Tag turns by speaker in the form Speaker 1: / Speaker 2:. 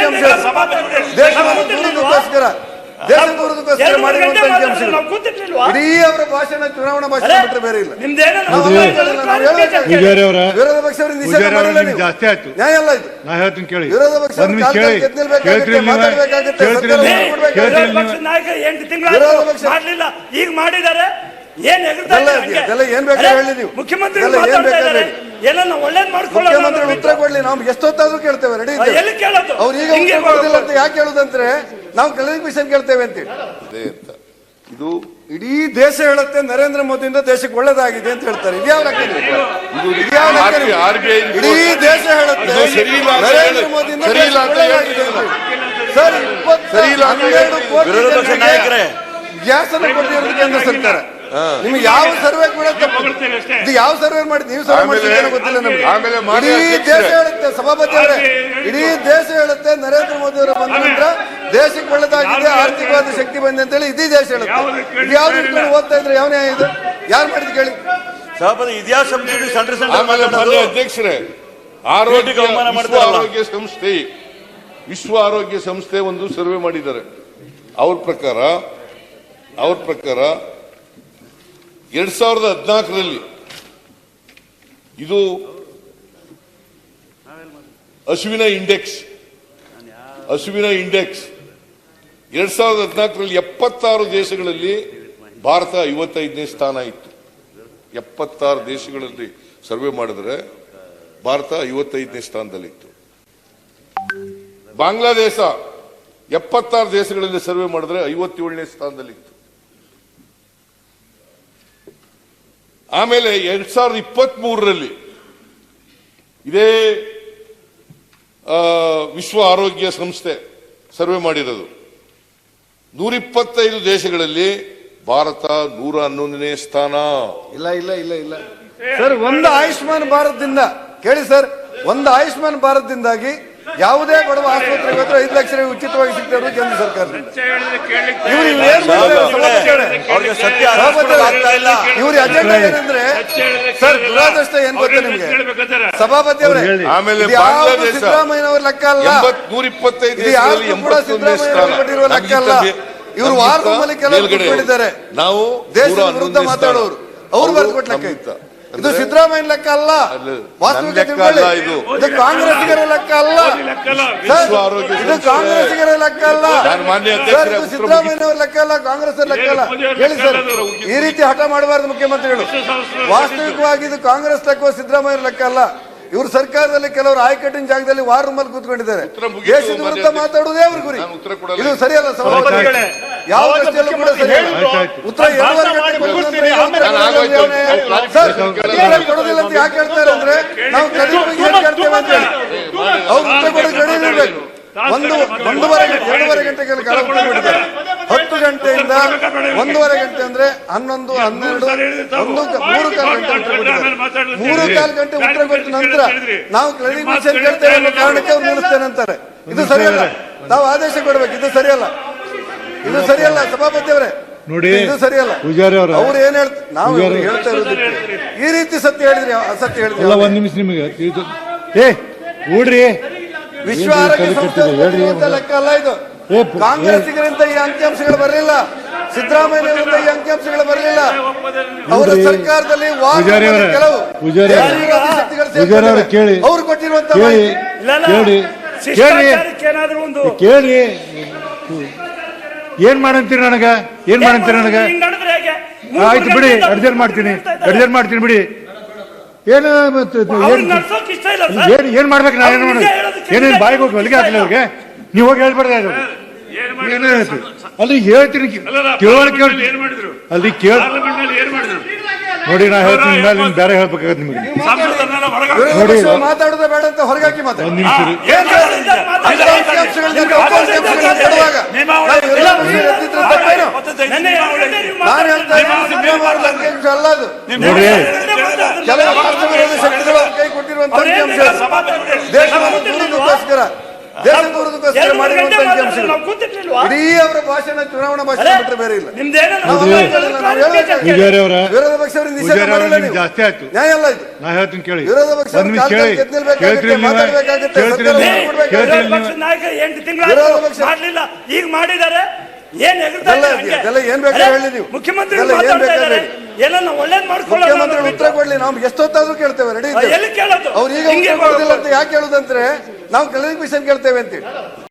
Speaker 1: ಅಂಕಿಅಂಶ, ದೇಶವನ್ನು ದೂರದಕ್ಕೋಸ್ಕರ ಮಾಡಿರುವಂತ ಅಂಕಿಅಂಶಗಳು. ಇಡೀ ಅವರ ಭಾಷಣ ಚುನಾವಣಾ ಭಾಷಣ ಬಿಟ್ಟರೆ ಬೇರೆ ಇಲ್ಲ. ವಿರೋಧ ಪಕ್ಷವರಿಗೆ ನಿಷೇಧ ಮಾಡಿಲ್ಲ, ನ್ಯಾಯ ಅಲ್ಲ ಇದು. ವಿರೋಧ ಪಕ್ಷ
Speaker 2: ಈಗ ಮಾಡಿದ್ದಾರೆ. ಏನ್
Speaker 1: ಬೇಕಾದ್ರೆ ಹೇಳಿ ನೀವು,
Speaker 2: ಮುಖ್ಯಮಂತ್ರಿ
Speaker 1: ಮುಖ್ಯಮಂತ್ರಿ ಉತ್ತರ ಕೊಡ್ಲಿ, ನಾವು ಎಷ್ಟೊತ್ತಾದ್ರೂ ಕೇಳ್ತೇವೆ, ರೆಡಿ ಅವ್ರು ಈಗ ಉತ್ತರ ಕೊಡೋದಿಲ್ಲ ಅಂತ ಯಾಕೆ ಹೇಳುದಂದ್ರೆ ನಾವು ಕ್ಲಾರಿಫಿಕೇಶನ್ ಕೇಳ್ತೇವೆ ಅಂತೇಳಿ.
Speaker 3: ಇದು
Speaker 1: ಇಡೀ ದೇಶ ಹೇಳುತ್ತೆ ನರೇಂದ್ರ ಮೋದಿಯಿಂದ ದೇಶಕ್ಕೆ ಒಳ್ಳೇದಾಗಿದೆ ಅಂತ ಹೇಳ್ತಾರೆ. ಇದ್ಯಾವ ಲೆಕ್ಕ? ಇಡೀ ದೇಶ ಹೇಳುತ್ತೆ ನರೇಂದ್ರ ಮೋದಿಯಿಂದ ಸರ್ 12 ಕೋಟಿ ಗ್ಯಾಸ್ ಅನ್ನು ಕೊಟ್ಟಿರೋದು ಕೇಂದ್ರ ಸರ್ಕಾರ. ನಿಮ್ಗೆ ಯಾವ ಸರ್ವೆ ಕೂಡ ಇದು ಯಾವ ಸರ್ವೆ ಮಾಡಿದ್ ನೀವು ಸರ್ವೆ ಮಾಡಿದ್ರೆ ಗೊತ್ತಿಲ್ಲ ನಮ್ಗೆ. ಇಡೀ ದೇಶ ಹೇಳುತ್ತೆ ಸಭಾಪತಿ ಅವರೇ, ಇಡೀ ದೇಶ ಹೇಳುತ್ತೆ ನರೇಂದ್ರ ಮೋದಿ ಅವರು ಬಂದ ನಂತರ ದೇಶಕ್ಕೆ ಒಳ್ಳೆದಾಗಿದೆ, ಆರ್ಥಿಕವಾದ ಶಕ್ತಿ ಬಂದೆ ಅಂತ ಹೇಳಿ ಇಡೀ ದೇಶ ಹೇಳುತ್ತೆ. ಯಾವ್ದು ಇಟ್ಕೊಂಡು ಓದ್ತಾ ಇದ್ರೆ ಯಾವ ನ್ಯಾಯ ಇದು? ಯಾರು ಮಾಡಿದ್ ಕೇಳಿ
Speaker 4: ಸಭಾಪತಿ. ಇತಿಹಾಸ
Speaker 3: ಅಧ್ಯಕ್ಷರೇ, ವಿಶ್ವ ಆರೋಗ್ಯ ಸಂಸ್ಥೆ ಒಂದು ಸರ್ವೆ ಮಾಡಿದ್ದಾರೆ. ಅವ್ರ ಪ್ರಕಾರ 2014ರಲ್ಲಿ ಇದು ಹಸುವಿನ ಇಂಡೆಕ್ಸ್ 2014ರಲ್ಲಿ 76 ದೇಶಗಳಲ್ಲಿ ಭಾರತ 55ನೇ ಸ್ಥಾನ ಇತ್ತು. 76 ದೇಶಗಳಲ್ಲಿ ಸರ್ವೆ ಮಾಡಿದ್ರೆ ಭಾರತ 55ನೇ ಸ್ಥಾನದಲ್ಲಿತ್ತು. ಬಾಂಗ್ಲಾದೇಶ 76 ದೇಶಗಳಲ್ಲಿ ಸರ್ವೆ ಮಾಡಿದ್ರೆ 57ನೇ ಸ್ಥಾನದಲ್ಲಿತ್ತು. ಆಮೇಲೆ 2023ರಲ್ಲಿ ಇದೇ ವಿಶ್ವ ಆರೋಗ್ಯ ಸಂಸ್ಥೆ ಸರ್ವೆ ಮಾಡಿರೋದು 125 ದೇಶಗಳಲ್ಲಿ ಭಾರತ 111ನೇ ಸ್ಥಾನ.
Speaker 1: ಇಲ್ಲ ಇಲ್ಲ ಇಲ್ಲ ಇಲ್ಲ ಸರ್, ಒಂದು ಆಯುಷ್ಮಾನ್ ಭಾರತದಿಂದ ಕೇಳಿ ಸರ್, ಒಂದು ಆಯುಷ್ಮಾನ್ ಭಾರತದಿಂದಾಗಿ ಯಾವುದೇ ಬಡವ ಆಸ್ಪತ್ರೆಗೆ ಹೋದ್ರೆ 5 ಲಕ್ಷ ಉಚಿತವಾಗಿ ಸಿಗ್ತಾರೆ ಕೇಂದ್ರ ಸರ್ಕಾರದಿಂದ. ಇವ್ರ ಅಜೆಂಡಾ ಏನಂದ್ರೆ ಸರ್, ದುರಾದೃಷ್ಟ ಏನ್ ಗೊತ್ತಾ ನಿಮ್ಗೆ ಸಭಾಪತಿ ಅವರೇ, ಸಿದ್ದರಾಮಯ್ಯ ಅವ್ರ ಲೆಕ್ಕ ಅಲ್ಲ, ಇದು ಯಾರು ಕೂಡ ಸಿದ್ದರಾಮಯ್ಯ ಕೊಟ್ಟಿರುವ ಲೆಕ್ಕ ಅಲ್ಲ. ಇವರು ವಾರದಲ್ಲಿ ಕೆಲವರು ಕೊಟ್ಟಿದ್ದಾರೆ,
Speaker 3: ನಾವು
Speaker 1: ದೇಶದ ವಿರುದ್ಧ ಮಾತಾಡೋರು ಅವ್ರು ಬರ್ಕೊಟ್ ಲೆಕ್ಕ ಇತ್ತು. ಇದು ಸಿದ್ದರಾಮಯ್ಯ ಲೆಕ್ಕ ಅಲ್ಲ, ವಾಸ್ತವಿಕ ಇದು ಕಾಂಗ್ರೆಸ್ಸಿಗರ ಲೆಕ್ಕ ಅಲ್ಲ, ಇದು ಕಾಂಗ್ರೆಸ್ಸಿಗರ ಲೆಕ್ಕ ಅಲ್ಲ, ಸಿದ್ದರಾಮಯ್ಯ ಅವ್ರ ಲೆಕ್ಕ ಅಲ್ಲ, ಕಾಂಗ್ರೆಸ್ ಲೆಕ್ಕ ಅಲ್ಲ. ಹೇಳಿ ಸರ್, ಈ ರೀತಿ ಹಠ ಮಾಡಬಾರದು ಮುಖ್ಯಮಂತ್ರಿಗಳು. ವಾಸ್ತವಿಕವಾಗಿ ಇದು ಕಾಂಗ್ರೆಸ್ ಲೆಕ್ಕ, ಸಿದ್ದರಾಮಯ್ಯ ಲೆಕ್ಕ ಅಲ್ಲ. ಇವರು ಸರ್ಕಾರದಲ್ಲಿ ಕೆಲವರು ಆಯ್ಕಟ್ಟಿನ ಜಾಗದಲ್ಲಿ ವಾರ್ ರೂಮಲ್ಲಿ ಕೂತ್ಕೊಂಡಿದ್ದಾರೆ. ದೇಶದ ವಿರುದ್ಧ ಮಾತಾಡುವುದೇ ಅವ್ರ ಗುರಿ. ಇದು ಸರಿಯಲ್ಲ ಸಭಾಪತಿಗಳೇ, ಯಾವ ದೃಷ್ಟಿಯಲ್ಲೂ ಕೂಡ ಸರಿಯಲ್ಲ. ಉತ್ತರ ಕೊಡೋದಿಲ್ಲ ಅಂತ ಯಾಕೆ ಹೇಳ್ತಾರೆ ಅಂದ್ರೆ ನಾವು ಕೇಳ್ತೇವೆ ಅಂತ ಹೇಳಿ ಅವ್ರು ಉತ್ತರ ಕೊಡೋದು ರೆಡಿ ಇರಬೇಕು. 2.5 ಗಂಟೆಗಳ ಕಾಲ ಉತ್ತರ ಕೊಟ್ಟಿದ್ದಾರೆ. 10 ಗಂಟೆಯಿಂದ 1.5 ಗಂಟೆ ಅಂದ್ರೆ 11, 12, 3 ಗಂಟೆ ಉತ್ತರ ಕೊಟ್ಟಿದ್ದಾರೆ. 3.25 ಗಂಟೆ ಉತ್ತರ ಕೊಟ್ಟ ನಂತರ ನಾವು ಕ್ಲಾರಿಫಿಕೇಶನ್ ಕೇಳ್ತೇವೆ ಅನ್ನೋ ಕಾರಣಕ್ಕೆ ಅವ್ರು ನಿಲ್ಲಿಸ್ತೇನೆ ಅಂತಾರೆ. ಇದು ಸರಿಯಲ್ಲ, ನಾವು ಆದೇಶ ಕೊಡ್ಬೇಕು. ಇದು ಸರಿಯಲ್ಲ, ಇದು ಸರಿಯಲ್ಲ ಸಭಾಪತಿ ಅವರೇ,
Speaker 5: ನೋಡಿ
Speaker 1: ಇದು ಸರಿಯಲ್ಲ. ಅವ್ರು ಏನ್ ಹೇಳ್ತಾರೆ, ನಾವು ಹೇಳ್ತಾ ಇರೋದು ಈ ರೀತಿ ಸತ್ಯ ಹೇಳಿದ್ರಿ ಅಸತ್ಯ ಹೇಳಿದ್ರಿ.
Speaker 5: 1 ನಿಮಿಷ ನಿಮಗೆ ಊಡ್ರಿ.
Speaker 1: ವಿಶ್ವ ಆರೋಗ್ಯ ಸಂಸ್ಥೆ ಲೆಕ್ಕ ಅಲ್ಲ ಇದು. ಕಾಂಗ್ರೆಸ್ಸಿಗರಿಂದ ಈ ಅಂಕಿಅಂಶಗಳು ಬರಲಿಲ್ಲ, ಸಿದ್ದರಾಮಯ್ಯರಿಂದ ಈ ಅಂಕಿಅಂಶಗಳು ಬರಲಿಲ್ಲ. ಅವರ ಸರ್ಕಾರದಲ್ಲಿ ಕೆಲವು ಅವ್ರು ಕೊಟ್ಟಿರುವಂತ
Speaker 5: ಕೇಳಿ ಏನ್ ಮಾಡಂತೀರಿ ನನಗ, ಏನ್ ಮಾಡಂತೀರಿ ನನಗ? ಆಯ್ತು ಬಿಡಿ, ಅಡ್ಜಸ್ಟ್ ಮಾಡ್ತೀನಿ ಬಿಡಿ. ಏನ್ ಮಾಡ್ಬೇಕು? ನಾ ಏನೇನು ಬಾಯಿಗೆ ಹೋಗಿ ಹೊಲಿಗೆ ಹಾಕಲಿ ಅವ್ರಿಗೆ? ನೀವು ಹೋಗಿ ಹೇಳ್ಬಾರ್ದು. ಅಲ್ಲಿ ಹೇಳ್ತೀನಿ, ತಿಳುವಳಿಕೆ ಅಲ್ಲಿ ಕೇಳ ನೋಡಿ. ನಾ ಹೇಳ್ತೀನಿ, ಮೇಲೆ ಬೇರೆ ಹೇಳ್ಬೇಕಾಗತ್ತೆ ನಿಮಗೆ.
Speaker 1: ನೋಡಿ ಮಾತಾಡೋದೇ ಬೇಡ ಅಂತ ಹೊರಗಾಕಿ ಮಾತಾಡಿ. 1 ನಿಮಿಷ ನಾನು ಹೇಳ್ತಾ ಅಂಕಿಅಂಶ ಅಲ್ಲ ಅದು. ಕೆಲವು ರಾಷ್ಟ್ರ ವಿರೋಧಿ ಶಕ್ತಿಗಳು ಕೈ ಕೊಟ್ಟಿರುವಂತ ಅಂಕಿಅಂಶ. ದೇಶವನ್ನು ದೂರದಕ್ಕೋಸ್ಕರ ದೇಶದ ವಿರುದ್ಧಕ್ಕೋಸ್ಕರ ಮಾಡಿರುವಂತಹ ಅಂಶಗಳು.
Speaker 2: ನಾವು ಕೂತಿರ್ಲಿಲ್ವಾ?
Speaker 1: ಇಡೀ ಅವರ ಭಾಷಣ ಚುನಾವಣಾ ಭಾಷಣ ಬಿಟ್ಟರೆ ಬೇರೆ ಇಲ್ಲ.
Speaker 2: ನಿಮ್ದೇನೋ
Speaker 1: ನಾವು ಹೇಳಬೇಕಾಗಿದೆ.
Speaker 5: ಪೂಜಾರಿ ಅವರ
Speaker 1: ವಿರೋಧ ಪಕ್ಷವರಿಗೆ ನಿಷೇಧ
Speaker 5: ಪೂಜಾರಿ ಅವರ
Speaker 1: ಮಾಡಿಲ್ಲ
Speaker 5: ನಿಮ್ಗೆ
Speaker 1: ನೀವು.
Speaker 5: ಜಾಸ್ತಿ ಆಯ್ತು.
Speaker 1: ನ್ಯಾಯ ಅಲ್ಲ ಇದು.
Speaker 5: ನಾ ಹೇಳ್ತೀನಿ ಕೇಳಿ.
Speaker 1: ವಿರೋಧ ಪಕ್ಷ
Speaker 5: ಒಂದ್ ನಿಮಿಷ ಕೇಳಿ. ಕೇಳ್ತೀರಿ ನೀವು? ಕೇಳ್ತೀರಿ ನೀವು? ಕೇಳ್ತೀರಿ
Speaker 2: ವಿರೋಧ ಪಕ್ಷದ
Speaker 5: ನೀವು?
Speaker 2: ನಾಯಕ 8 ತಿಂಗಳು
Speaker 1: ವಿರೋಧ ಪಕ್ಷ
Speaker 2: ಮಾಡ್ಲಿಲ್ಲ, ಈಗ ಮಾಡಿದ್ದಾರೆ. ಏನ್ ಎಗರ್ತಾ
Speaker 1: ಇದೆಲ್ಲ
Speaker 2: ಇದ್ದಾರೆ ಹಂಗೆ?
Speaker 1: ಇದೆಲ್ಲ ಏನ್ ಬೇಕಾದ್ರೆ ಹೇಳಿ ನೀವು.
Speaker 2: ಮುಖ್ಯಮಂತ್ರಿ
Speaker 1: ಇದೆಲ್ಲ ಏನ್
Speaker 2: ಮಾತಾಡ್ತಾ
Speaker 1: ಬೇಕಾದ್ರೆ
Speaker 2: ಇದ್ದಾರೆ. ಎಲ್ಲ ನಾವು ಒಳ್ಳೇದ್ ಮಾಡ್ಕೊಳ್ಳೋಣ.
Speaker 1: ಮುಖ್ಯಮಂತ್ರಿಗಳು ಉತ್ತರ ಕೊಡ್ಲಿ, ನಾವು ಎಷ್ಟೊತ್ತಾದ್ರೂ ಕೇಳ್ತೇವೆ, ರೆಡಿ ಇದ್ದೇವೆ.
Speaker 2: ಎಲ್ಲಿ ಕೇಳೋದು?
Speaker 1: ಅವ್ರು ಈಗ
Speaker 2: ಹಿಂಗೆ
Speaker 1: ಉತ್ತರ ಕೊಡೋದಿಲ್ಲ ಅಂತ ಯಾಕೆ ಹೇಳುದಂದ್ರೆ ನಾವು ಕ್ಲಿನಿಕ್ ಮಿಷನ್ ಕೇಳ್ತೇವೆ ಅಂತೇಳಿ.